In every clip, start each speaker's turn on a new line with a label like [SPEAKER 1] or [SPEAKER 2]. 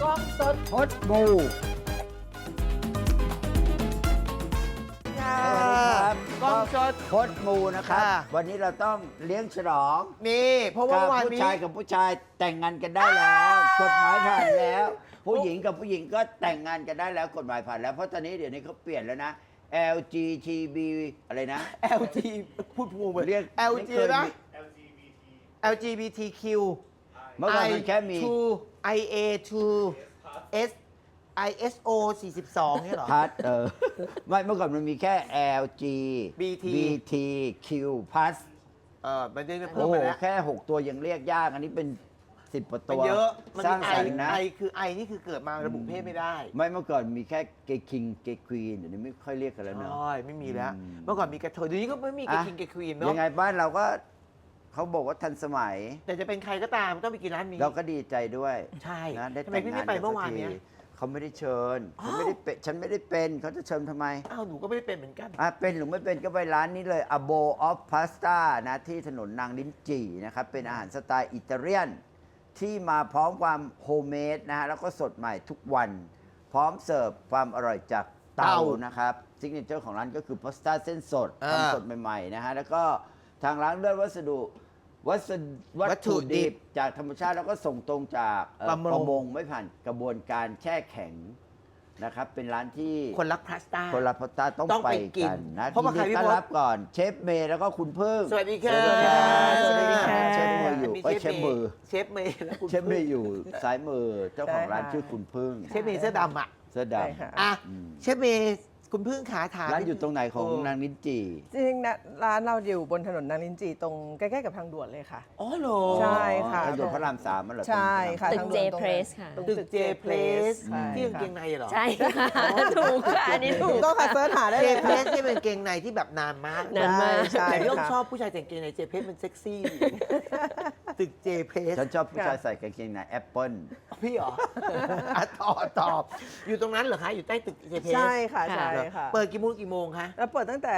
[SPEAKER 1] กล้องสด
[SPEAKER 2] พดมูครับ
[SPEAKER 1] กล้องสด
[SPEAKER 2] พดมูนะครับ
[SPEAKER 1] ค่ะ
[SPEAKER 2] วันนี้เราต้องเลี้ยงฉลอง
[SPEAKER 1] นี่เพราะว่า
[SPEAKER 2] กับ
[SPEAKER 1] วัน
[SPEAKER 2] ผู้
[SPEAKER 1] นี้
[SPEAKER 2] ชายกับผู้ชายแต่งงานกันได้แล้ว กฎหมายผ่านแล้ว ผู้หญิงกับผู้หญิงก็แต่งงานกันได้แล้วกฎหมายผ่านแล้วเพราะตอนนี้เดี๋ยวนี้เขาเปลี่ยนแล้วนะ LGTB อะไรนะ
[SPEAKER 1] LG พูดพูด
[SPEAKER 2] เรียก
[SPEAKER 1] LG นะ LGBTQ
[SPEAKER 2] เมื่อก่อนมันแค่มี
[SPEAKER 1] I2 IA 2 S ISO 42เนี่ยเหรอ
[SPEAKER 2] พัดไม่เมื่อก่อนมันมีแค่ LG
[SPEAKER 1] BT
[SPEAKER 2] BTQ plus
[SPEAKER 1] มันได้เพิ่
[SPEAKER 2] โอ้
[SPEAKER 1] ม
[SPEAKER 2] โห
[SPEAKER 1] มาแล้ว
[SPEAKER 2] แค่ 6 ตัวยังเรียกยาก อันนี้เป็น 10กว่า
[SPEAKER 1] มัน
[SPEAKER 2] ตัว
[SPEAKER 1] เยอะมัน
[SPEAKER 2] ส
[SPEAKER 1] มี
[SPEAKER 2] ร้างสรรค์นะ
[SPEAKER 1] ไอคือไอนี่คือเกิดมาระบุเพศไม่ได้
[SPEAKER 2] ไม่เมื่อก่อนมีแค่เกย์คิงเกย์ควีนเดี๋ยวนี้ไม่ค่อยเรียกกันแล้วเนอะ
[SPEAKER 1] ใช่ไม่มีแล้ว
[SPEAKER 2] อืม
[SPEAKER 1] เมื่อก่อนมีกระเทยเดี๋ยวนี้ก็ไม่มีกระคิงกระควีนเนาะ
[SPEAKER 2] ยังไงบ้านเราก็เขาบอกว่าทันสมัย
[SPEAKER 1] แต่จะเป็นใครก็ตามต้องไปกินร้านนี้
[SPEAKER 2] เราก็ดีใจด้วย
[SPEAKER 1] ใช่
[SPEAKER 2] นะได้
[SPEAKER 1] ทำไม
[SPEAKER 2] แต่ง
[SPEAKER 1] พี่
[SPEAKER 2] งา
[SPEAKER 1] ไม่
[SPEAKER 2] น
[SPEAKER 1] ไป
[SPEAKER 2] กัน
[SPEAKER 1] เมื่อ
[SPEAKER 2] สั
[SPEAKER 1] วาน
[SPEAKER 2] กที
[SPEAKER 1] เนี้ย
[SPEAKER 2] เขาไม่ได้เชิญ
[SPEAKER 1] อ้าว
[SPEAKER 2] ฉันไม่ได้เป็นเขาจะเชิญทำไม
[SPEAKER 1] อ้าวหนูก็ไม่ได้เป็นเหมือนกัน
[SPEAKER 2] เป็นหรือไม่เป็นก็ไปร้านนี้เลย A Bowl of Pasta นะที่ถนนนางลิ้นจี่นะครับเป็นอาหารสไตล์อิตาเลียน ที่มาพร้อมความโฮมเมดนะฮะแล้วก็สดใหม่ทุกวัน พร้อมเสิร์ฟความอร่อยจากเตานะครับซิกเนเจอร์ของร้านก็คือพาสต้าเส้นสด
[SPEAKER 1] อ่า
[SPEAKER 2] ทำสดใหม่ๆนะฮะแล้วก็ทางร้านเลือกวัตถุดิบจากธรรมชาติแล้วก็ส่งตรงจากประมงไม่ผ่านกระบวนการแช่แข็งนะครับเป็นร้านที่
[SPEAKER 1] คนรักพาสต้า
[SPEAKER 2] คนรับพาสต้าต้อง
[SPEAKER 1] ต้อง
[SPEAKER 2] ไป
[SPEAKER 1] ไปกิน
[SPEAKER 2] กันนะ
[SPEAKER 1] เพราะว่าใคร
[SPEAKER 2] ยินดี
[SPEAKER 1] พี่
[SPEAKER 2] ต้อน
[SPEAKER 1] พศ
[SPEAKER 2] รับก่อนเชฟเมย์แล้วก็คุณพึ่ง
[SPEAKER 1] สวัสดีค่ะ
[SPEAKER 2] สวัสดีค่ะ
[SPEAKER 1] ส
[SPEAKER 2] เช
[SPEAKER 1] วัสดีค่ะ
[SPEAKER 2] ฟมืออยู่
[SPEAKER 1] มี
[SPEAKER 2] เชฟมือ
[SPEAKER 1] เชฟเมย์และคุณ
[SPEAKER 2] เชฟเมย์อยู่ซ้ายมือเจ้าของร้าน
[SPEAKER 3] ได้ค่ะ
[SPEAKER 2] ชื่อคุณพึ่ง
[SPEAKER 1] เชฟเมย์เสื้อดำอ่ะ
[SPEAKER 2] เสื้อ
[SPEAKER 3] ใช่
[SPEAKER 2] ดำ
[SPEAKER 3] ค่ะ
[SPEAKER 1] อ่ะ
[SPEAKER 2] อืม
[SPEAKER 1] เชฟเมย์คุณพึ่งขาถาม
[SPEAKER 2] ร้านอยู่ตรงไหนของนางลิ้นจี่
[SPEAKER 3] จริงๆนะร้านเราอยู่บนถนนนางลิ้นจี่ตรงใกล้ๆกับทางด่วนเลยค่ะ
[SPEAKER 1] อ๋อเหรอ
[SPEAKER 3] ใช่ค่ะ
[SPEAKER 2] ถนนพระรามสามมันเหรอ
[SPEAKER 3] ใช่ค่ะ
[SPEAKER 4] ตึก
[SPEAKER 3] ทาง
[SPEAKER 4] J
[SPEAKER 3] ด่วนตรงนั้น
[SPEAKER 4] Place ค่ะ
[SPEAKER 3] ตรง
[SPEAKER 1] ตึกเจเพลส
[SPEAKER 3] ใช่
[SPEAKER 1] ที่กาง
[SPEAKER 3] ค่ะ
[SPEAKER 1] เกงในเหรอ
[SPEAKER 4] ใช่ค่ะถูกค่ะอันนี้ถู
[SPEAKER 3] ถู
[SPEAKER 4] ก
[SPEAKER 3] กต้องค่ะเสิร์ชหาได้
[SPEAKER 1] เจ
[SPEAKER 3] เลย
[SPEAKER 1] เพล
[SPEAKER 3] ค่ะ
[SPEAKER 1] สที่เป็นกางเกงในที่แบบนานมาก
[SPEAKER 4] นานมาก
[SPEAKER 3] ใช่
[SPEAKER 1] แต่พี่ต้อง
[SPEAKER 3] ค่ะ
[SPEAKER 1] ชอบผู้ชายแต่งเกงในเจเพลสมันเซ็กซี่ ตึกเจเพลส
[SPEAKER 2] ฉันชอบผู้ชายใส่กางเกงในแอปเปิ้ล
[SPEAKER 1] พี่เหรออ่ะตอบ อยู่ตรงนั้นเหรอคะ อยู่ใต้ตึกเจเพลส
[SPEAKER 3] ใช่ค่ะใช่ค่ะ
[SPEAKER 1] เปิดกี่โมงคะ
[SPEAKER 3] แล้วเปิดตั้งแต่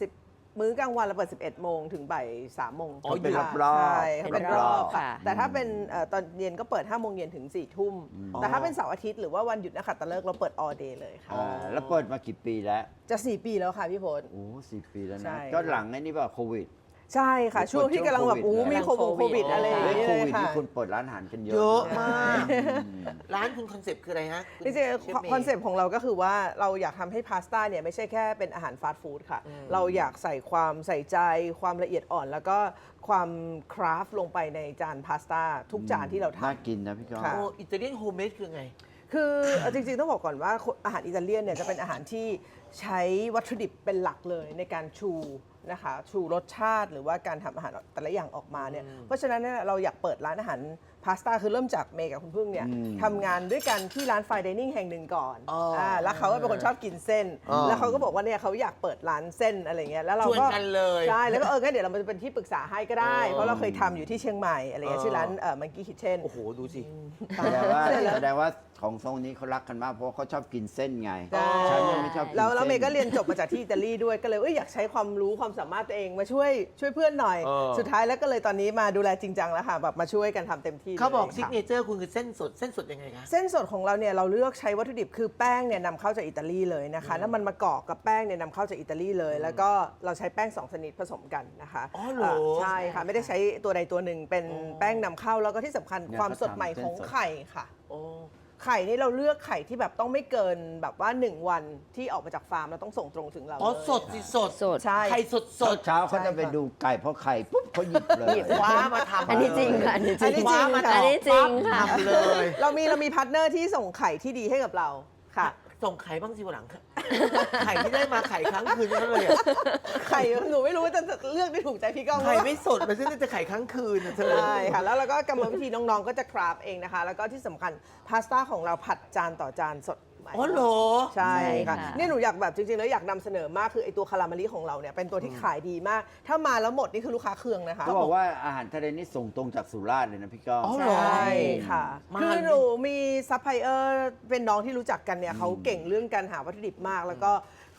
[SPEAKER 3] 10 มื้อกลางวันเราเปิด 11 โมงถึงบ่าย3 โมง
[SPEAKER 1] อ๋อ
[SPEAKER 2] เป็น
[SPEAKER 3] ค่ะ
[SPEAKER 2] รอบๆ
[SPEAKER 3] ใช่ค่ะ
[SPEAKER 2] เป็
[SPEAKER 3] เป็น น
[SPEAKER 2] ร
[SPEAKER 3] ร
[SPEAKER 2] อ
[SPEAKER 3] อ
[SPEAKER 2] บบ ๆ
[SPEAKER 3] ค่ะ แต่ถ้าเป็นตอนเย็นก็เปิด5 โมงเย็นถึง4 ทุ่ม แต่ถ้าเป็นเสาร์อาทิตย์หรือว่าวันหยุดนักขัตฤกษ์เราเปิด all day เลยค่ะ
[SPEAKER 2] แล้วเปิดมากี่ปีแล้ว
[SPEAKER 3] จะ 4 ปีแล้วค่ะพี่พล
[SPEAKER 2] โอ้4 ปีแล้ว
[SPEAKER 3] ใช่
[SPEAKER 2] นะก็หลังไอ้นี่ป่ะโควิด
[SPEAKER 3] ใช่ค่ะ ช่วงที่กำลังแบบ
[SPEAKER 2] ช่วงโควิด
[SPEAKER 3] มีโควิดอะไรอย่าง
[SPEAKER 2] เรื่อง
[SPEAKER 3] เงี้ย
[SPEAKER 2] โค
[SPEAKER 3] เลย
[SPEAKER 2] วิด
[SPEAKER 3] ค่ะ
[SPEAKER 2] นี่คนเปิดร้านอาหารกันเยอะ
[SPEAKER 1] เยอะ
[SPEAKER 2] น
[SPEAKER 1] มาก
[SPEAKER 2] อืม
[SPEAKER 1] ร้านคุณคอนเซปต์คืออะไรฮะ
[SPEAKER 3] จริงๆคอนเซปต์ของเราก็คือว่าเราอยากทำให้พาสต้าเนี่ยไม่ใช่แค่เป็นอาหารฟาสต์ฟู้ดค่ะ เราอยากใส่ความใส่ใจความละเอียดอ่อน แล้วก็ความคราฟต์ลงไปในจานพาสต้าทุกจานที่เราทำ
[SPEAKER 2] น่ากินนะพี่ก้อง
[SPEAKER 3] ค่ะ
[SPEAKER 1] โอ้อิตาเลียนโฮมเมดคือไง
[SPEAKER 3] คือจริงๆต้องบอกก่อนว่าอาหารอิตาเลียนเนี่ยจะเป็นอาหารที่ใช้วัตถุดิบเป็นหลักเลยในการชูนะคะชูรสชาติหรือว่าการทำอาหารแต่ละอย่างออกมาเนี่ยเพราะฉะนั้นเนี่ยเราอยากเปิดร้านอาหารพาสต้าคือเริ่มจากเมย์กับคุณพึ่งเนี่ยทำงานด้วยกันที่ร้านไฟน์ไดนิ่งแห่งหนึ่งก่อน
[SPEAKER 1] อ๋ออ่
[SPEAKER 3] แล้วเขาก็เป็นคนชอบกินเส้น
[SPEAKER 1] อ๋อ
[SPEAKER 3] แล้วเขาก็บอกว่าเนี่ยเขาอยากเปิดร้านเส้นอะไรเงี้ยแล้วเรา
[SPEAKER 1] ชวน
[SPEAKER 3] ก็
[SPEAKER 1] กันเลย
[SPEAKER 3] ใช่แล้วก็งั้นเดี๋ยวเราจะเป็นที่ปรึกษาให้ก็ได้
[SPEAKER 1] อ๋อ
[SPEAKER 3] เพราะเราเคยทำอยู่ที่เชียงใหม่อะไรเงี้ย
[SPEAKER 1] อ๋อ
[SPEAKER 3] ชื่อร้านมังกี้คิทเช่น
[SPEAKER 1] โอ้โห ดูสิ
[SPEAKER 2] แสดงว่าของทรงนี้เขารักกันมากเพราะว่าเขาชอบกินเส้นไง
[SPEAKER 3] ใช่
[SPEAKER 2] ฉันยังไม่ชอบกิน
[SPEAKER 3] แล้ว
[SPEAKER 2] เส้น
[SPEAKER 3] เมย์ก็เรียนจบมาจากที่อิตาลีด้วยก็เลยอยากใช้ความรู้ความสามารถตัวเองมาช่วยเพื่อนหน่อย
[SPEAKER 1] เออ
[SPEAKER 3] สุดท้ายแล้วก็เลยตอนนี้มาดูแลจริงจังแล้วค่ะแบบมาช่วยกันทำเต็มที่
[SPEAKER 1] เขาบอก
[SPEAKER 3] ลย
[SPEAKER 1] ซิก
[SPEAKER 3] ค่ะ
[SPEAKER 1] เนเจอร์คุณคือเส้นสดยังไงคะ
[SPEAKER 3] เส้นสดของเราเนี่ยเราเลือกใช้วัตถุดิบคือแป้งเนี่ยนำเข้าจากอิตาลีเลยนะคะแล้วมันมากรอกกับแป้งเนี่ยนำเข้าจากอิตาลีเลย แล้วก็เราใช้แป้ง2 ชนิดผสมกันนะคะ
[SPEAKER 1] อ๋อเหรอ
[SPEAKER 3] ใช่ค่ะไม่ได้ใช้ตัวใดตัวหนึ่งเป็นแป้งนำเข้าแล้วก็ที่สำคัญ
[SPEAKER 2] เนี่ย
[SPEAKER 3] ความ
[SPEAKER 2] เขา
[SPEAKER 3] สดใหม่
[SPEAKER 2] ทำเส้น
[SPEAKER 3] ของ
[SPEAKER 2] สด
[SPEAKER 3] ไข่ค่ะ
[SPEAKER 1] โอ้
[SPEAKER 3] ไข่นี่เราเลือกไข่ที่แบบต้องไม่เกินแบบว่า1 วันที่ออกมาจากฟาร์มเราต้องส่งตรงถึงเรา
[SPEAKER 1] อ๋อ
[SPEAKER 3] เลย
[SPEAKER 1] สดสิสด
[SPEAKER 4] สด
[SPEAKER 3] ใช่
[SPEAKER 1] ไข่สดสด
[SPEAKER 2] เช้าเขาจะไปดูไก่เพราะไข่ปุ๊บเขาหยิบเลย
[SPEAKER 1] คว้ามาทำ
[SPEAKER 4] อันนี้จริงค่ะอันนี้จริง
[SPEAKER 3] อันนี้จริงค่ะ
[SPEAKER 4] อันนี้จริงค่ะ
[SPEAKER 1] ทำเลย
[SPEAKER 3] เรามีพาร์ทเนอร์ที่ส่งไข่ที่ดีให้กับเราค่ะ
[SPEAKER 1] ส่งไข่บ้างสิวันหลัง ไข่ที่ได้มาไข่ครั้งคืนนั่นเลยอะ
[SPEAKER 3] ไข่หนูไม่รู้ว่าจะเลือกได้ถูกใจพี่ก้อง
[SPEAKER 1] ไข่ไม่สดมันซึ่งจะไข่ครั้งคืนนะเธอ
[SPEAKER 3] ใช่ค่ะแล้วเราก็กรรมวิธีน้องๆก็จะคราฟเองนะคะ แล้วก็ที่สำคัญพาสต้าของเราผัดจานต่อจานสดใหม่
[SPEAKER 1] อ๋อเหรอ
[SPEAKER 3] ใช่ค่ะ
[SPEAKER 4] ใช่ค่ะ
[SPEAKER 3] นี่หนูอยากแบบจริงๆแล้วอยากนำเสนอมากคือไอตัวคาราเมลี่ของเราเนี่ยเป็นตัวที่ขายดีมาก ถ้ามาแล้วหมดนี่คือลูกค้าเคืองนะคะ
[SPEAKER 2] เขาบอกว่าอาหารทะเลนี่ส่งตรงจากสุราษฎร์เลยนะพี่ก้อง
[SPEAKER 1] อ๋อ
[SPEAKER 3] ใช่ค่ะ
[SPEAKER 1] มา
[SPEAKER 3] คือหนูมีซัพพลายเออร์เป็นน้องที่รู้จักกันเนี่ยเขาเก่งเรื่องการหาวัตถุดิบมาก แล้วก็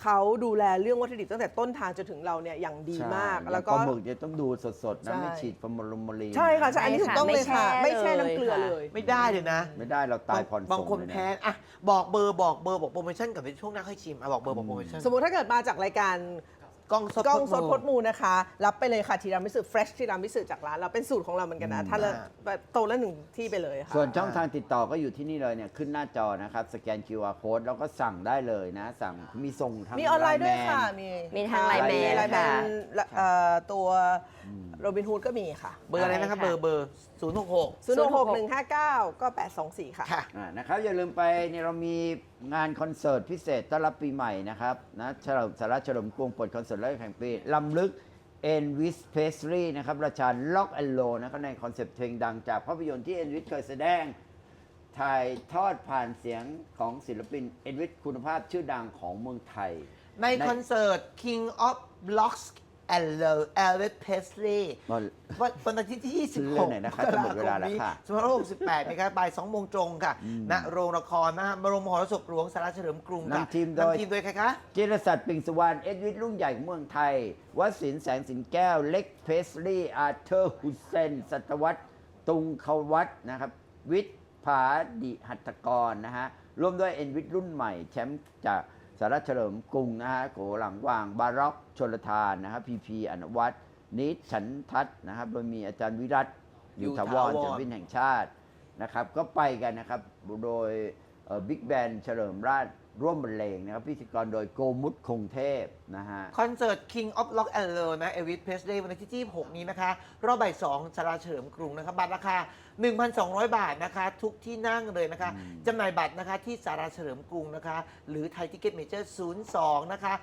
[SPEAKER 3] เขาดูแลเรื่องวัตถุดิบตั้งแต่ต้นทางจนถึงเราเนี่ยอย่างดีมาก
[SPEAKER 2] ใช่
[SPEAKER 3] แล้วก็
[SPEAKER 2] ปลาหมึกจะต้องดูสดๆนะ
[SPEAKER 3] ใช่
[SPEAKER 2] ไม่ฉีดฟอร์มาลีน
[SPEAKER 3] ใช่ค่ะใช่อันนี้ถูกต้องเลยค่ะ
[SPEAKER 4] ไม่
[SPEAKER 3] ไม่
[SPEAKER 4] แช่
[SPEAKER 3] แช่น้ำเกลือ
[SPEAKER 4] เลยค่ะ
[SPEAKER 3] เลย
[SPEAKER 1] ไม่ได้เลยนะ
[SPEAKER 2] ไม่ได้เราตายผ่อนส่ง
[SPEAKER 1] บางคน
[SPEAKER 2] เลยะ
[SPEAKER 1] แพ้อ่ะบอกเบอร์บอกโปรโมชั่นกับช่วงหน้าค่อยชิมอ่ะบอกเบอร์บอกโปรโมชั่น
[SPEAKER 3] สมมุติถ้าเกิดมาจากรายการ
[SPEAKER 1] กล้องสด
[SPEAKER 3] กล้องสด
[SPEAKER 1] พ
[SPEAKER 3] พ
[SPEAKER 1] ด
[SPEAKER 3] ด
[SPEAKER 1] มู
[SPEAKER 3] มูนะคะ รับไปเลยค่ะทีรามิสุเฟรชทีรามิสุจากร้านเราเป็นสูตรของเราเหมือนกันนะถ้าละโตละหนึ่งที่ไปเลยค่ะ
[SPEAKER 2] ส่วนช่องทางติดต่อก็อยู่ที่นี่เลยเนี่ยขึ้นหน้าจอนะครับสแกน QR code แล้วก็สั่งได้เลยนะ สั่งมีส่งทาง
[SPEAKER 3] มีออนไลน์ด้วยค่ะ
[SPEAKER 4] มีทาง Line Man
[SPEAKER 3] ไลน์แม
[SPEAKER 4] ค่ะ
[SPEAKER 3] นตัวโรบินฮูดก็มีค่ะ
[SPEAKER 1] เบอร์อะไรนะครับ
[SPEAKER 4] ใช่ค่ะ
[SPEAKER 1] เบอร์066
[SPEAKER 3] 066-159 ก็ 824 ค่ะ
[SPEAKER 1] ค่ะ
[SPEAKER 2] นะครับอย่าลืมไปเนี่ยเรามีงานคอนเสิร์ตพิเศษต้อนรับปีใหม่นะครับนะเฉลิมสาระเฉลิมกรุงเปิดคอนเสิร์ตแรกแห่งปีลำลึกเอ็นวิสเพสรีนะครับราชาล็อกแอนโลนะครับในคอนเซปต์เพลงดังจากภาพยนตร์ที่เอ็นวิสเคยแสดง ถ่ายทอดผ่านเสียงของศิลปินเอ็นวิสคุณภาพชื่อดังของเมืองไทย
[SPEAKER 1] ในคอนเสิร์ต King of Blocks and Love Elvis Presley วันอาทิตย์ที่
[SPEAKER 2] เรื่องไหนนะคะจะหมดเวลาแล้วค่ะ
[SPEAKER 1] 2568นะครับบ่าย2โมงตรงค่ะณโรงละครนะฮะบรมมหรสพหลวงสาราเฉลิมกรุงค่ะ
[SPEAKER 2] นำทีมโดย
[SPEAKER 1] นำทีมโดยใครคะ
[SPEAKER 2] จิรศักดิ์ปิงสุวรรณเอ็ดวิทรุ่งใหญ่ของเมืองไทยวสินทร์แสงสินแก้ว เล็กเพสลีย์อาร์เธอร์ฮุสเซน สัตวัตตุงควัตนะครับ วิทย์ผาดิหัตถกรนะฮะ ร่วมด้วยเอ็นวิทรุ่นใหม่ แชมป์จากสาราเฉลิมกรุงนะฮะโกหลังว่าง บาร็อกชลทานนะครับพีพีอนุวัฒน์นิดฉันทัศน์นะครับโดยมีอาจารย์วิรัตอยู่ถาวรศิลปินแห่งชาตินะครับก็ไปกันนะครับโดยบิ๊กแบนเฉลิมราชร่วมบรรเลงนะครับพิธีกรโดยโกมุตคงเทพนะฮะ
[SPEAKER 1] คอนเสิร์ต King of Rock and Roll นะ Elvis Presley วันอาทิตย์ที่6นี้นะคะรอบบ่าย2สาราเฉลิมกรุงนะครับบัตรราคา 1,200 บาทนะคะทุกที่นั่งเลยนะคะจำหน่ายบัตรนะคะที่สาราเฉลิมกรุงนะคะหรือไทยทิเก็ตเมเจอร์02นะคะ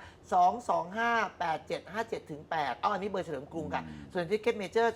[SPEAKER 1] 2258757ถึง8อันนี้เบอร์เฉลิมกรุงค่ะส่วนทิเก็ตเมเจอร์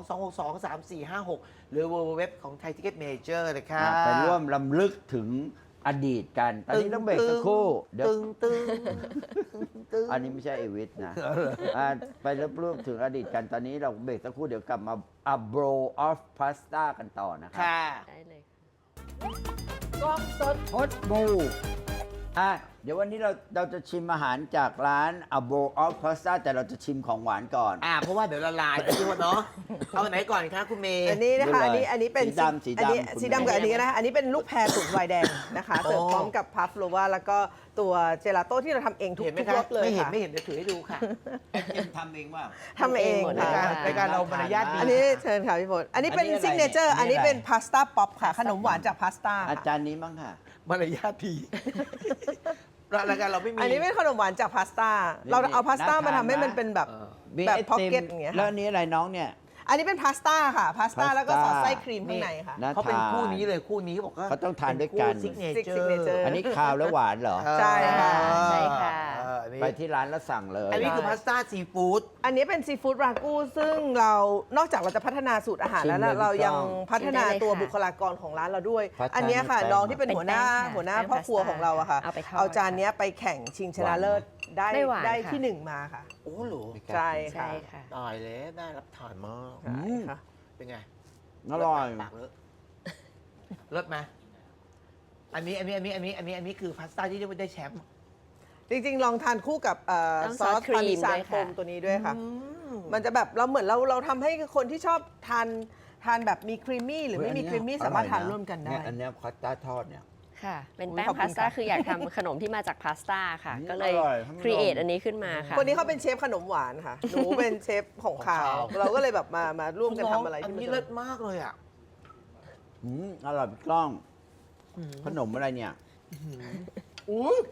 [SPEAKER 1] 02-262-3456หรือ www ของไทยทิเก็ตเมเจอร์เลยค่ะ
[SPEAKER 2] ไปร่วมลำลึกถึงอดีตกัน ตอนนี้ต้องเบรกสักครู่เดี๋ยว
[SPEAKER 1] ตึง
[SPEAKER 2] อันนี้ไม่ใช่เอวิสนะไปร่วมถึงอดีตกัน ตอนนี้เราเบรกสักครู่เดี๋ยวกลับมา A Bowl of Pasta กันต่อนะครับ
[SPEAKER 1] ค่ะ
[SPEAKER 4] ได้เลย
[SPEAKER 3] กล้องสด
[SPEAKER 2] ฮอตบูเดี๋ยววันนี้เราจะชิมอาหารจากร้าน A Bowl of Pasta แต่เราจะชิมของหวานก่อน
[SPEAKER 1] เพราะว่าเดี๋ยวละลายพี่ว่าเนาะ เอาอันไหนก่อนคะคุณเมย์
[SPEAKER 3] อันนี้นะคะ
[SPEAKER 2] ดูเลย
[SPEAKER 3] อันนี้เป็น
[SPEAKER 2] สีดำสีดำ
[SPEAKER 3] อันนี้
[SPEAKER 2] คุณ
[SPEAKER 3] สีดำกับอันนี้นะอันนี้เป็นลูกแพรสูตรไวน์แดงนะคะ
[SPEAKER 1] โอ้
[SPEAKER 3] เสิร์ฟพร้อมกับพัฟโลวาแล้วก็ตัวเจลาโต้ที่เราทำเองทุก
[SPEAKER 1] เห็นไหม
[SPEAKER 3] ทุก
[SPEAKER 1] คะ
[SPEAKER 3] รสเลย
[SPEAKER 1] ไม่เห็น
[SPEAKER 3] ค่ะ
[SPEAKER 1] ไม่เห็นเดี๋ยวถือให้ดูค่ะ
[SPEAKER 2] ทำเองว่า
[SPEAKER 3] ทำเอง
[SPEAKER 4] หมด
[SPEAKER 1] ราย
[SPEAKER 3] ค่ะ
[SPEAKER 1] การรายการเรามารยาทดี
[SPEAKER 3] อันนี้เชิญค่ะพี่พลอันนี้เป็น
[SPEAKER 2] อันนี้อะไร
[SPEAKER 3] ซิกเนเจอร์
[SPEAKER 2] เนี่ย
[SPEAKER 3] อันนี้
[SPEAKER 2] อันนี้อะไร
[SPEAKER 3] เป็นพาสต้าป๊อปค่ะ ขนมหวานจากพาสต้า
[SPEAKER 2] อา
[SPEAKER 3] ค่ะ
[SPEAKER 2] จารย์นี้มั้งค่ะ
[SPEAKER 1] มารยาทดีรายการเราไม่มี
[SPEAKER 3] อันนี้เป็นขนมหวานจากพาสต้าเราเอาพาสต้ามาทำให้มันเป็นแบบ
[SPEAKER 2] มี
[SPEAKER 3] แบบ
[SPEAKER 2] ไอ
[SPEAKER 3] พ็อก
[SPEAKER 2] ติม
[SPEAKER 3] เก็ตอย่างเงี้ย
[SPEAKER 2] แล้ว
[SPEAKER 3] ค่ะ
[SPEAKER 2] อันนี้อะไรน้องเนี่ย
[SPEAKER 3] อันนี้เป็นพาสต้าค่ะพาสต้า
[SPEAKER 2] พาสต้า
[SPEAKER 3] แล้วก็สอดไส้ครีมข้างในค่ะ
[SPEAKER 2] น่า
[SPEAKER 1] เขาเป็น
[SPEAKER 2] ทาน
[SPEAKER 1] คู่นี้เลยคู่นี้บอกว่า
[SPEAKER 2] เขาต้องทานด้วยกัน
[SPEAKER 1] ซิกเนเจอ
[SPEAKER 3] signature
[SPEAKER 1] ร์
[SPEAKER 2] อันนี้คาวและหวานเหรอ
[SPEAKER 3] ใช่ค่ะ
[SPEAKER 4] ใช่ค่ะ
[SPEAKER 2] ไปที่ร้านแล้วสั่งเลย
[SPEAKER 1] อันนี้คือพาสต้าซีฟู้ด
[SPEAKER 3] อันนี้เป็นซีฟู้ดรากูซึ่งเรานอกจากเราจะพัฒนาสูตรอาหารแล้ว
[SPEAKER 2] ชิมเลย
[SPEAKER 3] นะเรายัง
[SPEAKER 2] พี่ก้อง
[SPEAKER 3] พัฒนา
[SPEAKER 4] ชิมได้เลย
[SPEAKER 3] ตัว
[SPEAKER 4] ค่ะ
[SPEAKER 3] บุคลากรของร้านเราด้วย
[SPEAKER 2] พัฒนา
[SPEAKER 3] อันเนี้ยค่ะ
[SPEAKER 2] แป้ง
[SPEAKER 3] น้องที่เป็น
[SPEAKER 4] เป็น
[SPEAKER 3] หัวหน้า
[SPEAKER 4] แป้งค่ะ
[SPEAKER 3] หัวหน้า
[SPEAKER 4] แป้ง
[SPEAKER 3] พ่อครัว
[SPEAKER 4] พาสต้า
[SPEAKER 3] ของเราอะค่ะ
[SPEAKER 4] เอาไปทอด
[SPEAKER 3] เอาจานเนี้ยไปแข่งชิงชนะเลิศได้
[SPEAKER 4] ไม่หวาน
[SPEAKER 3] ได้
[SPEAKER 4] ค่ะ
[SPEAKER 3] ที่หนึ่งมาค่ะ
[SPEAKER 1] โอ้โห
[SPEAKER 3] ใช่
[SPEAKER 4] ใช่
[SPEAKER 3] ค่ะ
[SPEAKER 4] ค่ะ
[SPEAKER 1] ตายแล้วได้รับทานมาก
[SPEAKER 3] ใช่ค่ะ
[SPEAKER 1] เป็นไง
[SPEAKER 2] อร่อย
[SPEAKER 1] ปากเลอะเลิศไหมอันนี้คือพาสต้าที่ได้แชมป์
[SPEAKER 3] จริงๆ ลองทานคู่กับ
[SPEAKER 4] ต้อง
[SPEAKER 3] ซอ
[SPEAKER 4] ซอ
[SPEAKER 3] ส
[SPEAKER 4] สครีม
[SPEAKER 3] พาร์เมซาน
[SPEAKER 4] ด้วย
[SPEAKER 3] โฟ
[SPEAKER 4] ค่ะ
[SPEAKER 3] มตัวนี้ด้วยค่ะ
[SPEAKER 1] อืม
[SPEAKER 3] มันจะแบบเราเหมือนเราทำให้คนที่ชอบทานแบบมีครีมมี่หรือไม่มีครีมมี่สามารถทานร่วมกันได้
[SPEAKER 2] เยอันเนี้ยพาสต้าทอดเนี่ย
[SPEAKER 4] ค่ะ เป็น
[SPEAKER 3] อุ๊ย
[SPEAKER 4] แป้ง
[SPEAKER 3] ขอบคุณ
[SPEAKER 4] พาสต้า
[SPEAKER 3] ค่ะ
[SPEAKER 4] คืออยากทำขนมที่มาจากพาสต้าค่ะ
[SPEAKER 2] อืม
[SPEAKER 4] ก็เลย
[SPEAKER 2] อร่อยท่านผู้ชม
[SPEAKER 4] ครีเอทอันนี้ขึ้นมาค่ะ
[SPEAKER 3] คนนี้เขาเป็นเชฟขนมหวานค่ะ หนูเป็นเชฟของขาว
[SPEAKER 1] ของขาว
[SPEAKER 3] เราก็เลยแบบมาร่วมกันทำอะไร
[SPEAKER 1] อัน
[SPEAKER 3] ที่มัน
[SPEAKER 1] นี้
[SPEAKER 3] จะ
[SPEAKER 1] เลิศมากเลยอ่ะ
[SPEAKER 2] อร่อยพี่กล้อง ขนมอะไรเนี่ย
[SPEAKER 1] อุ้ย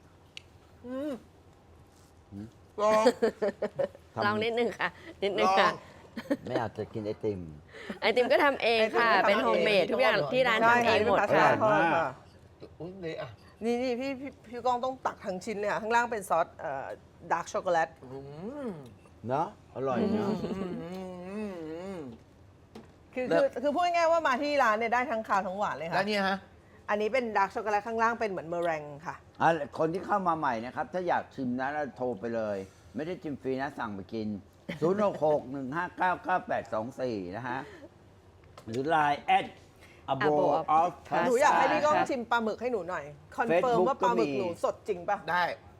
[SPEAKER 1] ลอง
[SPEAKER 4] ลองนิดนึงค่ะ นิดนึง
[SPEAKER 1] ลอง
[SPEAKER 4] ค่ะ
[SPEAKER 2] ไม่อาจจะกินไอติม
[SPEAKER 4] ไอติมก็ทำเองค่ะ เป็นโฮมเมดทุกอย่างที่ร้าน
[SPEAKER 3] ใช่
[SPEAKER 4] ทำเอ
[SPEAKER 3] ค่ะ
[SPEAKER 4] ง
[SPEAKER 3] นี่
[SPEAKER 4] หม
[SPEAKER 3] เป็น
[SPEAKER 4] ด
[SPEAKER 3] พาสต้า
[SPEAKER 4] ค่ะ
[SPEAKER 3] ทอด
[SPEAKER 2] อร่อยมาก
[SPEAKER 3] ค่ะ
[SPEAKER 1] อุ้ยเลยอ่ะ
[SPEAKER 3] นี่พี่ก้องต้องตักทั้งชิ้นเลยค่ะข้างล่างเป็นซอสดาร์กช็อกโกแลต
[SPEAKER 1] อืม
[SPEAKER 2] เนาะอร่อยเนาะ
[SPEAKER 3] คือพูดง่ายๆว่ามาที่ร้านเนี่ยได้ทั้งคาวทั้งหวานเลย
[SPEAKER 1] แล้ว
[SPEAKER 3] ค่ะ
[SPEAKER 1] เนี่ยฮะ
[SPEAKER 3] อันนี้เป็นดาร์กช็อกโกแลตข้างล่างเป็นเหมือนเมอแรงค่ะ
[SPEAKER 2] คนที่เข้ามาใหม่นะครับ ถ้าอยากชิมนะเราโทรไปเลย ไม่ได้ชิมฟรีนะ สั่งไปกิน 066-159-9824 นะฮะ หรือ Line @ A Bowl of
[SPEAKER 3] หนูอยากให้
[SPEAKER 2] Pasta
[SPEAKER 3] พี่ก้อง
[SPEAKER 4] ค่ะ
[SPEAKER 3] ชิมปลาหมึกให้หนูหน่อย คอนเฟิร์ม
[SPEAKER 2] Facebook
[SPEAKER 3] ว่าปลาหมึก
[SPEAKER 2] ก็มี
[SPEAKER 3] หนูสดจริงป่ะ
[SPEAKER 1] ได้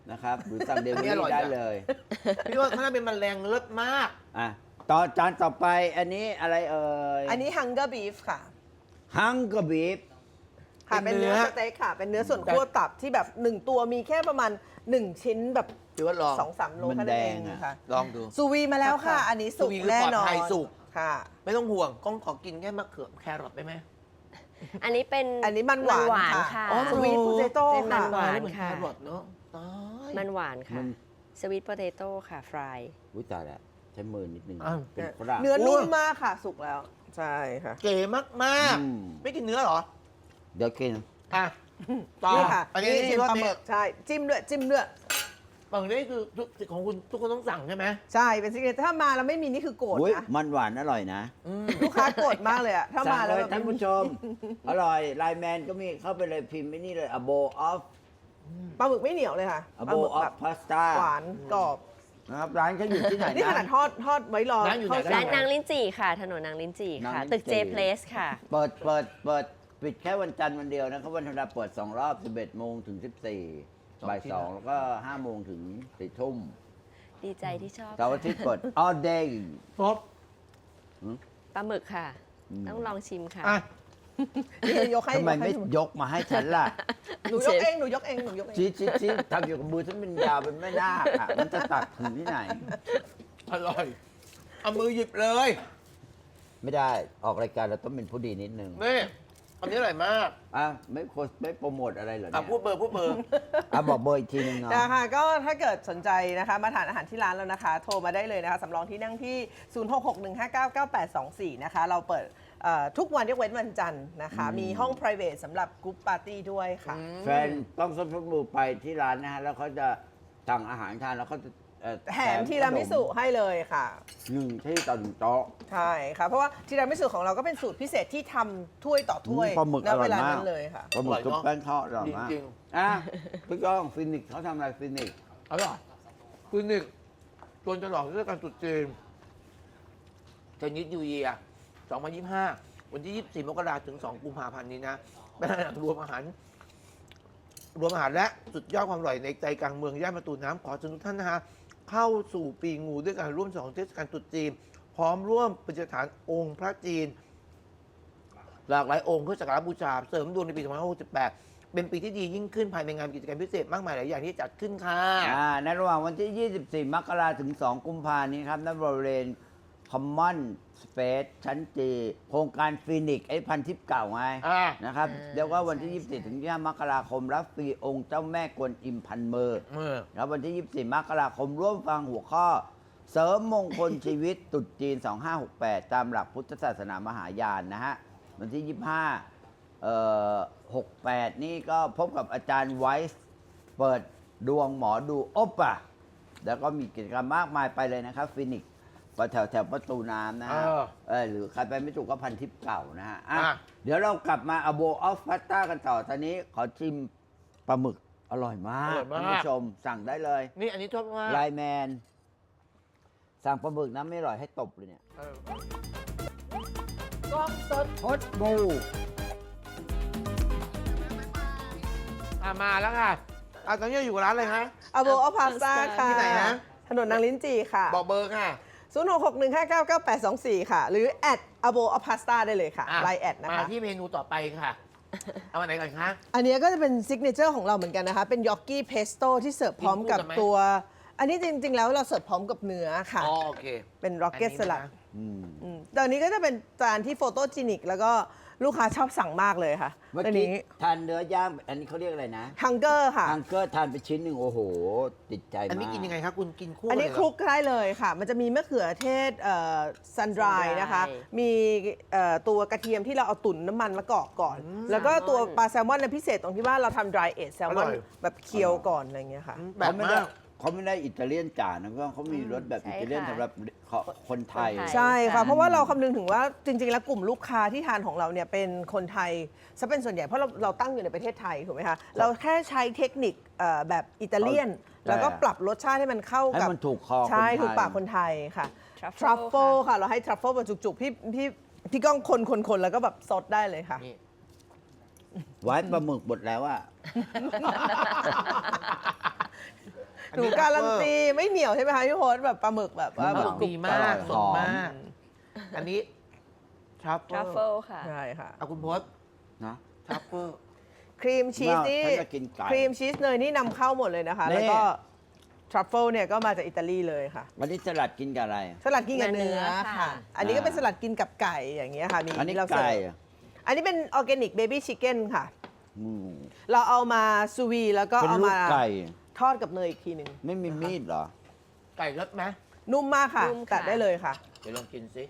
[SPEAKER 2] นะครับ หรือสั่งเดลิเวอ
[SPEAKER 1] นี่อร่อ
[SPEAKER 2] รี่
[SPEAKER 1] ย
[SPEAKER 2] ได้
[SPEAKER 1] จ้ะ
[SPEAKER 2] เลย
[SPEAKER 1] พี่ว่าข้างหน้าเป็นแมลงเลิศมาก
[SPEAKER 2] อ่ะต่อจานต่อไปอันนี้อะไรเอ่ย
[SPEAKER 3] อันนี้ Hunger Beef ค่ะ
[SPEAKER 2] ฮังก r บีฟ
[SPEAKER 3] ค่ะ
[SPEAKER 1] เป็
[SPEAKER 3] เป็น น
[SPEAKER 1] เนื้
[SPEAKER 3] เนื้
[SPEAKER 1] อ
[SPEAKER 3] อสเต็กค่ะ เป็นเนื้อส่วนคั่วตับที่แบบ 1 ตัวมีแค่ประมาณ 1 ชิ้นแบบ
[SPEAKER 1] ถือว่าลอง
[SPEAKER 3] 2-3 โล
[SPEAKER 2] มัน
[SPEAKER 3] แค่นั้นเอง
[SPEAKER 2] แดงอะ
[SPEAKER 3] ค่ะ
[SPEAKER 1] ลองดู
[SPEAKER 3] ซูวีมาแล้วค่ะ อันนี้สุก
[SPEAKER 1] ซูวีคือ
[SPEAKER 3] แน่
[SPEAKER 1] ปลอด
[SPEAKER 3] นอน
[SPEAKER 1] ภัยสุก
[SPEAKER 3] ค่ะ
[SPEAKER 1] ไม่ต้องห่วงก้องขอกินแค่มะเขือแครอทได้ไหม
[SPEAKER 4] อันนี้เป็น
[SPEAKER 3] อันนี้มันหวาน
[SPEAKER 4] ค่ะ
[SPEAKER 3] อ๋อ Sweet Potato
[SPEAKER 4] เป็นมัน
[SPEAKER 3] ค่ะ
[SPEAKER 4] หวาน
[SPEAKER 1] เหมือนแค
[SPEAKER 4] ค่ะ
[SPEAKER 1] รอทเนาะตาย
[SPEAKER 4] มันหวานค่ะสวีทโพเตโต้ค่ะ ฟราย
[SPEAKER 2] อุ้ยตายแล้วใช้มือนิดนึง
[SPEAKER 1] อ้าว
[SPEAKER 2] เป็นฝรั่ง
[SPEAKER 3] เนื้อนุ่มมากค่ะ สุกแล้ว ใช่ค่ะ
[SPEAKER 1] เก๋มาก
[SPEAKER 2] อืม
[SPEAKER 1] ๆ ไม่กินเนื้อเหรอ
[SPEAKER 2] เดี๋ยวกิน
[SPEAKER 1] อ่ะต่อ
[SPEAKER 3] นี่ค่ะ
[SPEAKER 1] อันนี้
[SPEAKER 3] นี่
[SPEAKER 1] ที่
[SPEAKER 3] เป็น
[SPEAKER 1] รส
[SPEAKER 3] ปลาห
[SPEAKER 1] นี้
[SPEAKER 3] มึกใช่ จิ้มด้วย จิ้มด้วย
[SPEAKER 1] บางนี้คือของคุณทุกคนต้องสั่งใช่ไหม
[SPEAKER 3] ใช่ เป็นซิกเนเจอร์ถ้ามาแล้วไม่มีนี่คือโกรธ
[SPEAKER 2] อุ้ย
[SPEAKER 3] นะ
[SPEAKER 2] มันหวานอร่อยนะ
[SPEAKER 3] ลูกค้าโกรธมากเลยอะถ้า
[SPEAKER 2] สั่
[SPEAKER 3] มาง แล้ว
[SPEAKER 2] เล
[SPEAKER 3] แบ
[SPEAKER 2] ย
[SPEAKER 3] บ
[SPEAKER 2] ท่านผู้ชม อร่อยไลน์แมนก็มีเข้าไปเลยพิมพ์ไม่นี่เลย a bowl of
[SPEAKER 3] ปลาหมึกไม่เหนียวเลยค่ะ
[SPEAKER 2] a
[SPEAKER 3] ปลาห
[SPEAKER 2] bowl
[SPEAKER 3] มึก
[SPEAKER 2] of
[SPEAKER 3] แบบ
[SPEAKER 2] pasta
[SPEAKER 3] หวานกรอบ
[SPEAKER 2] นะครับร้านเขาอยู่ที่ไหน
[SPEAKER 3] นี่ขนาด
[SPEAKER 2] นะ
[SPEAKER 3] ทอดไว้รอ
[SPEAKER 1] ร้านอยู่ไหน
[SPEAKER 3] เข้า
[SPEAKER 4] ร้าน
[SPEAKER 3] สู่
[SPEAKER 4] นางลิ้นจี่ค่ะ ถนนนางลิ้นจี่ค่ะ
[SPEAKER 2] นางลิ้น
[SPEAKER 4] ตึก
[SPEAKER 2] จี่
[SPEAKER 4] J Place ค่ะ
[SPEAKER 2] เปิดปิดแค่วันจันทร์วันเดียวนะครับวันธรรมดาเปิด 2 รอบ 11 โมงถึง 14 บ่าย 2 แล้วก็ 5 โมงถึง 4 ทุ่ม
[SPEAKER 4] ดีใจที่ชอบ
[SPEAKER 2] เสาร์อาทิตย์เปิด all day
[SPEAKER 1] ครบ
[SPEAKER 4] ปลาหมึกค่ะ ต้องลองชิมค่ะ
[SPEAKER 1] อ่ะ
[SPEAKER 3] นี่ยกให้
[SPEAKER 2] ทำไมไม่
[SPEAKER 3] ยกให้
[SPEAKER 2] ยกมาให้ฉันล่ะ
[SPEAKER 3] หนูยกเองหนูยกเองหนูยกเอง
[SPEAKER 2] ชี้ทำอยู่กับมือฉันเป็นยาวเป็นแม่นาคอะมันจะตักถึงที่ไหน
[SPEAKER 1] อร่อย เอามือหยิบเลย
[SPEAKER 2] ไม่ได้ออกรายการเราต้องเป็นผู้ดีนิดนึง
[SPEAKER 1] นี่อันนี้อร่อยมาก
[SPEAKER 2] อ่ะไม่โปรโมทอะไรเหรอ
[SPEAKER 1] อ่ะ
[SPEAKER 2] เนี่ย
[SPEAKER 1] พูดเบอร์
[SPEAKER 2] อ่ะบอกเบอร์อีกทีนึงเนาะ
[SPEAKER 3] นะคะก็ถ้าเกิดสนใจนะคะมาทานอาหารที่ร้านแล้วนะคะ โทรมาได้เลยนะคะสำรองที่นั่งที่ 0661599824 นะคะ เราเปิดทุกวันยกเว้นวันจันทร์นะคะ มีห้อง private สำหรับกรุ๊ปปาร์ตี้ด้วยค่ะ
[SPEAKER 2] แฟนต้องส้มทุกมือไปที่ร้านนะฮะ แล้วเขาจะสั่งอาหารทานแล้วเขาจะ
[SPEAKER 3] แถมทีรามิสุให้เลยค่ะ
[SPEAKER 2] หนึ่งที่ต่อหนึ่งโต๊ะ
[SPEAKER 3] ใช่ค่ะ เพราะว่าทีรามิสุของเราก็เป็นสูตรพิเศษที่ทำถ้วยต่อถ้วย
[SPEAKER 2] ปลาหมึก
[SPEAKER 3] ณ
[SPEAKER 2] อร่
[SPEAKER 3] เว
[SPEAKER 2] อย
[SPEAKER 3] ลาม
[SPEAKER 2] าก
[SPEAKER 3] นั้นเลยค่ะ
[SPEAKER 2] ปลาหมึกกับแป้งทอดอร่อยมาก
[SPEAKER 1] จริง
[SPEAKER 2] อ่ะพี่ก้องฟินิกส์เขาทำอะไรฟินิกส์
[SPEAKER 1] ๆอร่อยคือหนึ่งจนจะหลอกเรื่องการตรุษจีนเทนนิสยูเยีย2025 วันที่ 24 มกราคมถึง 2 กุมภาพันธ์นี้นะเป็นอาหารรวมอาหารและสุดยอดความอร่อยในใจกลางเมืองย่านประตูน้ำขอเชิญทุกท่านนะฮะเข้าสู่ปีงูด้วยการร่วมฉลองเทศกาลตรุษจีน พร้อมร่วมประดิษฐานองค์พระจีน หลากหลายองค์เพื่อสักการะบูชาเสริมดวงในปี 2568 เป็นปีที่ดียิ่งขึ้นภายในงานกิจกรรมพิเศษมากมายหลายอย่างที่จัดขึ้นค่ะ
[SPEAKER 2] ในระหว่างวันที่ 24 มกราคมถึง 2 กุมภาพันธ์นี้ครับณบริเวณ Common Space ชั้นจีโครงการฟินิกส์ไอ้พันทิพย์เก่าไง
[SPEAKER 1] อ่า
[SPEAKER 2] นะครับเรียกว่าวันที่ 24 ถึง 25 มกราคมรับฟรีองค์เจ้าแม่กวนอิมพันมือ แล้ววันที่ 24 มกราคมร่วมฟังหัวข้อ เสริมมงคลชีวิตตรุษจีน 2568 ตามหลักพุทธศาสนามหายานนะฮะ วันที่ 68 นี่ก็พบกับอาจารย์ไวส์เปิดดวงหมอดูโอปะแล้วก็มีกิจกรรมมากมายไปเลยนะครับฟินิกส์แถวประตูน้ำนะฮะหรือใครไปไม่ถูกก็พันทิพย์เก่านะฮะเดี๋ยวเรากลับมาอโบออฟพาสต้ากันต่อตอนนี้ขอชิมปลาหมึกอร่อยมากท่านผู้ชมสั่งได้เลย
[SPEAKER 1] นี่อันนี้ชอบมาก
[SPEAKER 2] ไลน์แมน สั่งปลาหมึกนะไม่อร่อยให้ตบเลยเนี่ย
[SPEAKER 3] กล้องสด
[SPEAKER 2] พดบู
[SPEAKER 1] มาแล้วค่ะตอนนี้อยู่กับร้านอะไรฮะ
[SPEAKER 3] อโบอพาสต้าค่ะ
[SPEAKER 1] ที่ไหนนะ
[SPEAKER 3] ถนนนางลิ้นจีค่ะ
[SPEAKER 1] บอกเบอร์ค่ะ
[SPEAKER 3] 0661599824 ค่ะ หรือแอดอโบอพาสต้าได้เลยค่ะ
[SPEAKER 1] อ่ะ
[SPEAKER 3] ไลน์แอดนะ
[SPEAKER 1] มา
[SPEAKER 3] คะ
[SPEAKER 1] ที่เมนูต่อไปค่ะ เอาอันไหนก่อนคะ
[SPEAKER 3] อันนี้ก็จะเป็นซิกเนเจอร์ของเราเหมือนกันนะคะ เป็นยอกกี้เพสโต้ที่เสิร์ฟพร้อมกับ
[SPEAKER 1] กินคู่กันไหม
[SPEAKER 3] ตัว อันนี้จริง ๆ แล้วเราเสิร์ฟพร้อมกับเนื้อค่ะ
[SPEAKER 1] อ๋อโอเค
[SPEAKER 3] เป็นร็อกเก็ตสลัด
[SPEAKER 1] อันนี้นะ
[SPEAKER 3] ตอนนี้ก็จะเป็นจานที่โฟโตจินิก แล้วก็ลูกค้าชอบสั่งมากเลยค่ะ
[SPEAKER 2] เมื่อ
[SPEAKER 3] อัน
[SPEAKER 2] กี้
[SPEAKER 3] นี้
[SPEAKER 2] ทานเนื้อย่างอันนี้เขาเรียกอะไรนะ
[SPEAKER 3] ฮังเกอร์ค่ะ
[SPEAKER 2] ฮังเกอร์ทานไปชิ้นหนึ่งโอ้โห ติดใจมาก
[SPEAKER 1] อันนี้กินยังไงครับคุณกินคู่
[SPEAKER 3] อันนี้
[SPEAKER 1] เลยเห
[SPEAKER 3] ค
[SPEAKER 1] ร
[SPEAKER 3] ลุกได้เลยค่ะ มันจะมีมะเขือเทศซันดรายนะคะ มีตัวกระเทียมที่เราเอาตุ๋นน้ำมันมะกอกก่อน แล้วก็ตัวปลาแซลมอนเนี่ยพิเศษตรงที่ว่าเราทำ dry age แซลมอนแบบเคี่ยวก่อนอะไรอย่างเงี้ยค่ะ
[SPEAKER 1] แบบ
[SPEAKER 2] เขาไม่ได้อิตาเลียนจ๋านะก็เขามีรสแบบ
[SPEAKER 4] ใช่
[SPEAKER 2] อิตาเลียน
[SPEAKER 4] ค่ะ
[SPEAKER 2] สำหรับคนไทย
[SPEAKER 4] คนไทย
[SPEAKER 3] ใช่ค่ะ
[SPEAKER 4] ค่ะ
[SPEAKER 3] เพราะว่าเราคำนึงถึงว่าจริง ๆ แล้วกลุ่มลูกค้าที่ทานของเราเนี่ยเป็นคนไทยซะเป็นส่วนใหญ่เพราะเราตั้งอยู่ในประเทศไทยถูกไหมคะ เราแค่ใช้เทคนิคแบบอิตาเลียน แล้วก็ปรับรสชาติให้มันเข้า
[SPEAKER 2] ให้
[SPEAKER 3] กับ
[SPEAKER 2] มันถูกคอคนไทย
[SPEAKER 3] ใช่ถูกปากคนไทยค่ะ
[SPEAKER 4] Truffle
[SPEAKER 3] ทรัฟเฟิล
[SPEAKER 4] ค่ะ
[SPEAKER 3] ค่ะ เราให้ทรัฟเฟิลมาจุกๆพี่ก้องคนแล้วก็แบบซดได้เลยค่ะ
[SPEAKER 1] นี่
[SPEAKER 2] ไว้ปลาหมึกหมดแล้วอะ
[SPEAKER 1] อัน
[SPEAKER 3] หนู
[SPEAKER 1] นี้
[SPEAKER 3] การันตีไม่เหนียวใช่ไหมคะพี่พศแบบปลาหมึกแบบว่า
[SPEAKER 2] มัน
[SPEAKER 3] แบบ
[SPEAKER 1] ดีมากสดมาก อันนี้ทรัฟ
[SPEAKER 4] ทรัฟ
[SPEAKER 1] เฟิ
[SPEAKER 4] เฟิ
[SPEAKER 1] ล
[SPEAKER 4] ลค่ะ
[SPEAKER 3] ใช่ค่ะ
[SPEAKER 1] เอาคุณพศ
[SPEAKER 2] นะ
[SPEAKER 1] ทรัฟเฟิล
[SPEAKER 3] ครีมชีสนี่
[SPEAKER 2] ฉันจะกินไก่
[SPEAKER 3] ครีมชีสเนยนี่นำเข้าหมดเลยนะคะ
[SPEAKER 2] นี่
[SPEAKER 3] แล้วก็ทรัฟเฟิลเนี่ยก็มาจากอิตาลีเลยค่ะ
[SPEAKER 2] วันนี้สลัดกินกับอะไร
[SPEAKER 3] สลัดกินกับเนื้อ
[SPEAKER 4] เนื้อ
[SPEAKER 3] ค่ะ
[SPEAKER 4] ค่ะ
[SPEAKER 3] อันนี้ก็เป็นสลัดกินกับไก่อย่างเงี้ยค่ะมี
[SPEAKER 2] อันนี้
[SPEAKER 3] เราเสิร์
[SPEAKER 2] ไก่
[SPEAKER 3] ฟอันนี้เป็นออร์แกนิกเบบี้ชิคเก้นค่ะ
[SPEAKER 2] อืม
[SPEAKER 3] เราเอามาซูวีแล้วก็
[SPEAKER 2] เป็น
[SPEAKER 3] เอา
[SPEAKER 2] ลู
[SPEAKER 3] มาก
[SPEAKER 2] ไก่
[SPEAKER 3] ทอดกับเนยอีกทีหนึ่ง
[SPEAKER 2] ไม่มีมีดเหรอ
[SPEAKER 1] ไก่รสไหม
[SPEAKER 3] นุ่มมากค่ะ
[SPEAKER 4] นุ่มค่ะ
[SPEAKER 3] ตัดได้เลยค่ะ
[SPEAKER 1] เดี๋ยวลองกินสิ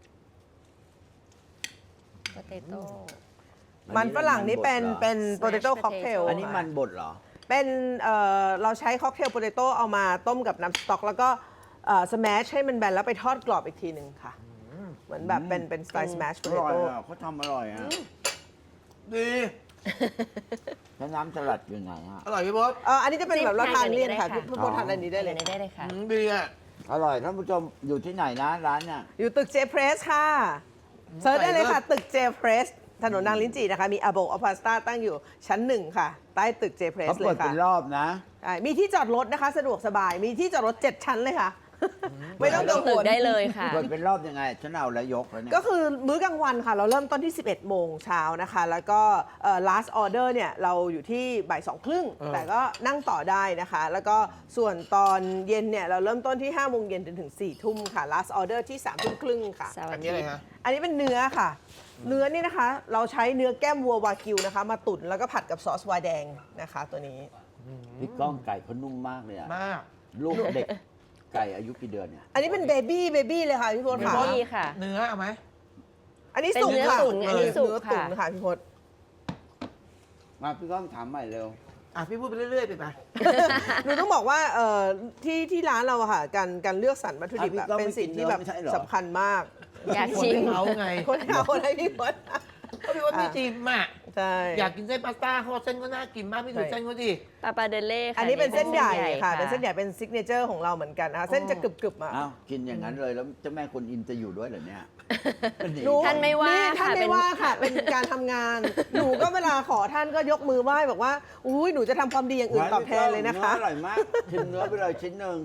[SPEAKER 4] โปเตโต้
[SPEAKER 3] มันฝรั่งนี่เป็นโปเตโต้
[SPEAKER 4] Smash
[SPEAKER 3] ค็อกเทล
[SPEAKER 4] potato
[SPEAKER 2] อันนี้มันบดเหรอ
[SPEAKER 3] เป็นเราใช้ค็อกเทลโปเตโต้เอามาต้มกับน้ำสต๊อก แล้วก็สแมชให้มันแบนแล้วไปทอดกรอบอีกทีหนึ่งค่ะ เหมือนแบบเป็นสไตล์สแมชโป
[SPEAKER 2] อ
[SPEAKER 3] เต
[SPEAKER 2] ร่อย
[SPEAKER 3] โต้
[SPEAKER 2] อ่ะเขาทำอร่อยอ่ะ
[SPEAKER 1] ดี
[SPEAKER 2] แล้วน้ำสลัดอยู่ไหนฮะ
[SPEAKER 1] อร่อยพี่พศ
[SPEAKER 3] อันนี้จะเป็นแบบเราทานเลี่ยนค่ะ
[SPEAKER 4] จิ้ม
[SPEAKER 3] พี่พศทานอันนี้ได้เลย
[SPEAKER 4] อันนี้ได้เลยค่ะ
[SPEAKER 1] ดีอ่ะ
[SPEAKER 2] อร่อยท่านผู้ชมอยู่ที่ไหนนะร้านเนี่ย
[SPEAKER 3] อยู่ตึกเจเพรสค่ะเซิร์ชได้เลยค่ะ ตึกเจเพรสถนนนางลิ้นจี่นะคะ มีอาโบอพาสต้าตั้งอยู่ชั้น 1 ค่ะ ใต้ตึกเจเพรส
[SPEAKER 2] เขา
[SPEAKER 3] เล
[SPEAKER 2] เปิด
[SPEAKER 3] ย
[SPEAKER 2] เป็
[SPEAKER 3] ค่ะ
[SPEAKER 2] นรอบนะ
[SPEAKER 3] ใช่มีที่จอดรถนะคะ สะดวกสบายมีที่จอดรถ 7 ชั้นเลยค่ะ ไม่ต้องกังว
[SPEAKER 4] ตึก
[SPEAKER 3] ล
[SPEAKER 4] ได้เลยค่ะ
[SPEAKER 2] เปิดเป็นรอบยังไง ฉันเอาแล้วยกแล้วเนี่ย
[SPEAKER 3] ก็คือมื้อกลางวันค่ะ เราเริ่มต้นที่ 11 โมงเช้านะคะ แล้วก็last order เนี่ย เราอยู่ที่บ่าย 2:30 แต่ก็นั่งต่อได้นะคะ แล้วก็ส่วนตอนเย็นเนี่ย เราเริ่มต้นที่ 5 โมงเย็นจนถึง 4 ทุ่มค่ะ last order ที่ 3 ทุ่มครึ่งค่ะ
[SPEAKER 4] เสาร์
[SPEAKER 1] อั
[SPEAKER 4] อาน
[SPEAKER 1] นี้
[SPEAKER 4] ทิ
[SPEAKER 1] อะไร
[SPEAKER 4] ตย์
[SPEAKER 1] ฮะ
[SPEAKER 3] อันนี้เป็นเนื้อค่ะ เนื้อนี่นะคะ เราใช้เนื้อแก้มวัววากิวนะคะ มาตุ๋นแล้วก็ผัดกับซอสวายแดงนะคะตัวนี้
[SPEAKER 2] พี่ก้องไก่เขานุ่มมากเลยอะ
[SPEAKER 1] มาก
[SPEAKER 2] ลูกเด็กไก่อายุกี่เดือนเนี่ย
[SPEAKER 3] อันนี้เป็นเบบี้เลยค่ะพี่พศค่ะ
[SPEAKER 4] นี่ค่ะ
[SPEAKER 1] เนื้อเอาไหม
[SPEAKER 3] อันนี้
[SPEAKER 4] เป็น
[SPEAKER 3] สุก
[SPEAKER 4] เนื้อ
[SPEAKER 3] ค่ะ
[SPEAKER 4] ตุ๋นอันนี้สุก
[SPEAKER 3] เนื้อตุ๋น
[SPEAKER 4] ค่ะ
[SPEAKER 3] ค่ะพี่พศ
[SPEAKER 2] มาพี่ก้องถามใหม่เร็ว
[SPEAKER 1] อ่ะพี่พูดไปเรื่อยๆไป
[SPEAKER 3] หนูต้องบอกว่าที่ร้านเราอะค่ะการเลือกสรรวัตถุดิบอะ
[SPEAKER 2] พี่ก้อง
[SPEAKER 3] เป็นสิ่งที่แบบ
[SPEAKER 2] ไม่กินเนื้อไม่ใช่เหรอ
[SPEAKER 3] สำคัญมาก
[SPEAKER 4] อยาก
[SPEAKER 1] คน
[SPEAKER 4] ชิม
[SPEAKER 1] ให้เขาไง
[SPEAKER 3] คนเอาคนให้พี่พศ
[SPEAKER 1] ก็พี่ว่าไม่จิมอ่ะ
[SPEAKER 3] ใช่
[SPEAKER 1] อยากกินเส้นพาสต้าเขาบอกเส้นก็น่ากินมากพี่ดูเส้นเขาดิ
[SPEAKER 4] ปาปาเดเล่ค่ะ
[SPEAKER 3] อันนี้เป็นเส้นใหญ่ค่ะ
[SPEAKER 4] ค่ะ
[SPEAKER 3] เป็นเส้นใหญ่เป็นซิกเนเจอร์ของเราเหมือนกันนะคะเส้นจะกรึบๆอะ
[SPEAKER 2] อ้าวกินอย่างนั้นเลยแล้วเจ้าแม่คนอิมจะอยู่ด้วยเหรอเนี่ย
[SPEAKER 3] หนู
[SPEAKER 4] ท่านไม่ว่า
[SPEAKER 3] ท่าน
[SPEAKER 4] ค่ะ
[SPEAKER 3] ไม่ว่าค่ะ เป็นการทำงาน หนูก็เวลาขอท่านก็ยกมือไหว้บอกว่าอุ้ยหนูจะทำความดีอย่างอื่นตอบแทนเลยนะคะ
[SPEAKER 2] เนื้ออร่อยมากชิมเนื้อไปเลยชิ้นหนึ่ง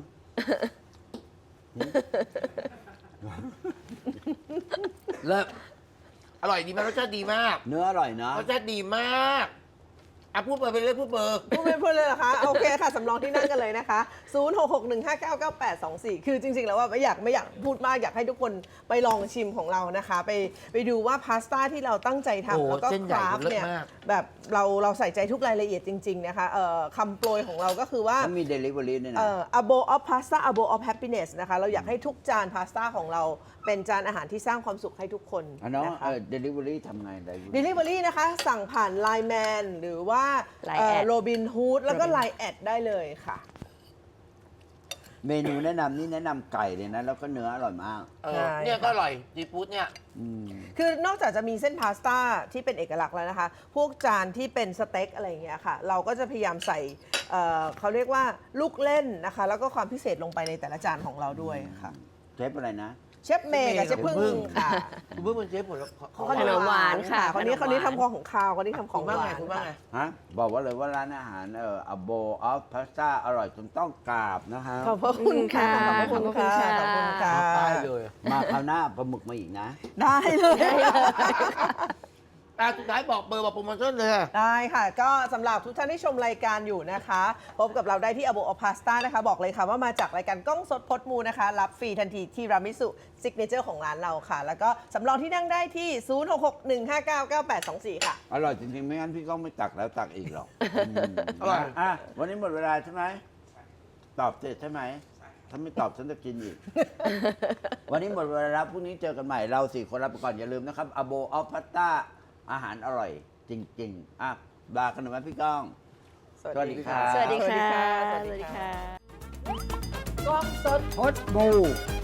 [SPEAKER 1] เลิศอร่อยดีมากรสชาติดีมาก
[SPEAKER 2] เนื้ออร่อยนะ
[SPEAKER 1] รสชาติดีมากอ่ะพูดเบอร์ไปเลยพูดเบอร์
[SPEAKER 3] พูดเป็นเพื่อนเลยเหรอคะ โอเคค่ะ สำรองที่นั่งกันเลยนะคะ 0661599824 คือจริงๆ แล้วว่าไม่อยากพูดมาก อยากให้ทุกคนไปลองชิมของเรานะคะ ไปดูว่าพาสต้าที่เราตั้งใจ
[SPEAKER 1] โอ้
[SPEAKER 3] ทำแล้วก็
[SPEAKER 1] เส้นให
[SPEAKER 3] ค
[SPEAKER 1] ญ่
[SPEAKER 3] ราฟ
[SPEAKER 1] เลิศ
[SPEAKER 3] เนี่ย
[SPEAKER 1] มาก
[SPEAKER 3] แบบเราใส่ใจทุกรายละเอียดจริง ๆ นะคะคำโปรยของเราก็คือว่า
[SPEAKER 2] เขามีเดลิเวอรี่ด้วยนะ
[SPEAKER 3] a bowl of pasta a bowl of happiness นะคะ เราอยากให้ทุกจานพาสต้าของเราเป็นจานอาหารที่สร้างความสุขให้ทุกคน
[SPEAKER 2] อันน้อง
[SPEAKER 3] นะคะ
[SPEAKER 2] เดลิเวอรี่ทำไง
[SPEAKER 3] Delivery นะคะ สั่งผ่าน Line Man หรือว่า
[SPEAKER 4] Line แอด
[SPEAKER 3] โรบินฮูดแล้วก็ Line แอดได้เลยค่ะ
[SPEAKER 2] เมนูแนะนำนี่แนะนำไก่เลยนะ แล้วก็เนื้ออร่อยมาก
[SPEAKER 1] เออ
[SPEAKER 3] ใช่
[SPEAKER 1] เนี่ยก็อร่อยซีฟู้ดเนี่ย
[SPEAKER 2] อืม
[SPEAKER 3] คือนอกจากจะมีเส้นพาสต้าที่เป็นเอกลักษณ์แล้วนะคะ พวกจานที่เป็นสเต็กอะไรอย่างเงี้ยค่ะ เราก็จะพยายามใส่เขาเรียกว่าลูกเล่นนะคะ แล้วก็ความพิเศษลงไปในแต่ละจานของเราด้วยค่ะ
[SPEAKER 2] เชฟอะไรนะ
[SPEAKER 3] เชฟเมย์กับเชฟพึ่งค่ะ
[SPEAKER 1] คุณเพิ่งเป็นเชฟผล
[SPEAKER 4] ขนมหวานค่ะ
[SPEAKER 3] คนนี้
[SPEAKER 4] ขนมหวาน
[SPEAKER 3] ทำของข้าวคนนี้ทำของ
[SPEAKER 1] ว่า
[SPEAKER 3] ห
[SPEAKER 1] ไง
[SPEAKER 3] วาน
[SPEAKER 1] คุณว่าไง
[SPEAKER 2] ฮะ บอกว่าเลยว่าร้านอาหารa bowl of pasta อร่อยจนต้องกราบนะคะ
[SPEAKER 3] ขอบพระคุณค่ะ
[SPEAKER 4] ขอบ
[SPEAKER 3] ขอบ
[SPEAKER 4] คุ
[SPEAKER 3] คุณ
[SPEAKER 4] ณ
[SPEAKER 3] ค่ะ
[SPEAKER 4] ค่ะ
[SPEAKER 3] ขอบคุณค่ะ
[SPEAKER 1] ตายเลย
[SPEAKER 2] มาคราวหน้าปลาหมึกมาอีกนะ
[SPEAKER 3] ได้เลย
[SPEAKER 1] อ่ะสุดท้ายบอกเบอร์บอกโปรโมชั่นเลยค่ะ
[SPEAKER 3] ได้ค่ะ ก็สำหรับทุกท่านที่ชมรายการอยู่นะคะ พบกับเราได้ที่ a b o of Pasta นะคะ บอกเลยค่ะว่ามาจากรายการกล้องสดพดมูนะคะ รับฟรีทันทีที่รามิสุซิกเนเจอร์ของร้านเราค่ะ แล้วก็สำรองที่นั่งได้ที่ 0661599824 ค่ะ
[SPEAKER 2] อร่อยจริงๆ ไม่งั้นพี่ก้องไม่ตักแล้วตักอีกหรอกม
[SPEAKER 1] อร่อย
[SPEAKER 2] อ่ะวันนี้หมดเวลาใช่ไหม ตอบเสร็จใช่ไหม ถ้าไม่ตอบฉันจะกินอีก วันนี้หมดเวลาแล้วพรุ่งนี้เจอกันใหม่ เรา4 คนลาไปก่อนอย่าลืมนะครับ a bowl of pasta อาหารอร่อยจริงๆอ่ะลากันหน่อยไหมพี่ก้อง สวัสดีครับ
[SPEAKER 4] สวัสดีค่ะ
[SPEAKER 3] สวัสดีค่ะ
[SPEAKER 4] สวัสดีค่ะ
[SPEAKER 3] กล้องสด
[SPEAKER 2] พดบู